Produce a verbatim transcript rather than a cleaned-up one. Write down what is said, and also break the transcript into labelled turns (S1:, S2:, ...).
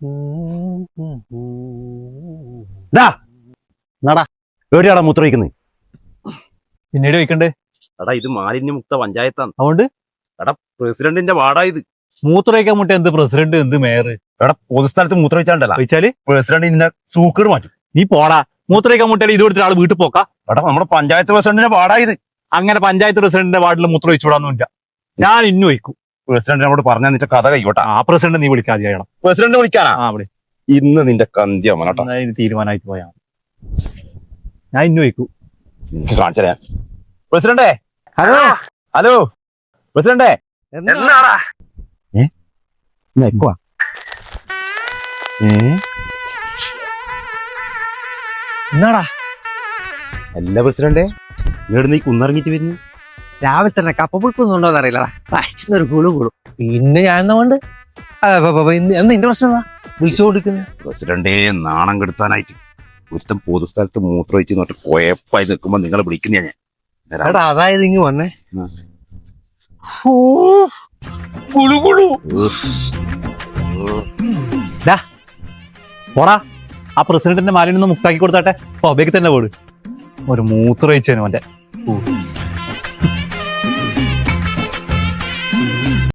S1: എവിടെയാടാ മൂത്ര വയ്ക്കുന്നത്?
S2: പിന്നീട് വയ്ക്കണ്ടേ?
S1: എടാ ഇത് മാലിന്യമുക്ത പഞ്ചായത്താണ്.
S2: അതുകൊണ്ട്
S1: എടാ പ്രസിഡന്റിന്റെ വാർഡാ ഇത്.
S2: മൂത്ര വയ്ക്കാൻ മുട്ട എന്ത് പ്രസിഡന്റ് എന്ത് മേയർ?
S1: എടാ പൊതുസ്ഥലത്ത് മൂത്ര വെച്ചാണ്ടല്ല
S2: വെച്ചാല്
S1: പ്രസിഡന്റ് ഇന്നെ സൂക്കേട് മാറ്റും.
S2: നീ പോടാ. മൂത്ര വയ്ക്കാൻ മുട്ടയിൽ ഇത് കൊടുത്തിട്ട് ആള് വീട്ടിൽ പോക്കാ?
S1: എടാ നമ്മുടെ പഞ്ചായത്ത് പ്രസിഡന്റിന്റെ വാർഡാ ഇത്.
S2: അങ്ങനെ പഞ്ചായത്ത് പ്രസിഡന്റിന്റെ വാർഡിൽ മൂത്ര വെച്ചുവിടാന്നില്ല. ഞാൻ ഇന്നു വയ്ക്കും.
S1: പ്രസിഡന്റിനോട് പറഞ്ഞാൽ നിന്റെ കഥ കൈവട്ടാ.
S2: ആ പ്രസിഡന്റ് നീ വിളിക്കാതെ ചെയ്യണം.
S1: പ്രസിഡന്റ് വിളിക്കാനാ?
S2: ആ അവിടെ
S1: ഇന്ന് നിന്റെ കന്ത്യ മനോട്ടാ.
S2: തീരുമാനമായിട്ട് പോയാ ഞാൻ ഇന്നു വയ്ക്കൂ.
S1: കാണിച്ചേ പ്രസിഡന്റേ.
S3: Hello
S1: hello പ്രസിഡന്റേ.
S3: എന്താടാ എന്നാടാ
S1: അല്ല പ്രസിഡന്റേ, ഇങ്ങോട്ട് നീ കുന്നിറങ്ങിട്ട് വരുന്നു.
S3: രാവിലെ തന്നെ കപ്പ പുഴുക്കൊന്നും അറിയില്ലടാ. ഒരു കുളു കുളു പിന്നെ ഞാൻ എന്നാ കൊണ്ട് എന്നാ എന്റെ പ്രശ്നം എന്താ വിളിച്ചു കൊടുക്കുന്നത്?
S1: പ്രസിഡന്റേ നാണം കെടുത്താനായിട്ട് ഒരുത്തം പൊതുസ്ഥലത്ത് മൂത്ര വെച്ച് നോട്ട് പോയപ്പായി നിൽക്കുമ്പോ നിങ്ങളെ വിളിക്കുന്ന ഞാൻ.
S3: എടാ അതായത് ഇങ്ങ് വന്നേ.
S2: പോടാ. ആ പ്രസിഡന്റിന്റെ മാലിന്യം ഒന്ന് മുക്താക്കി കൊടുത്താട്ടെ. സ്വബയ്ക്ക് തന്നെ പോട്. ഒരു മൂത്ര വെച്ചേനു അവന്റെ.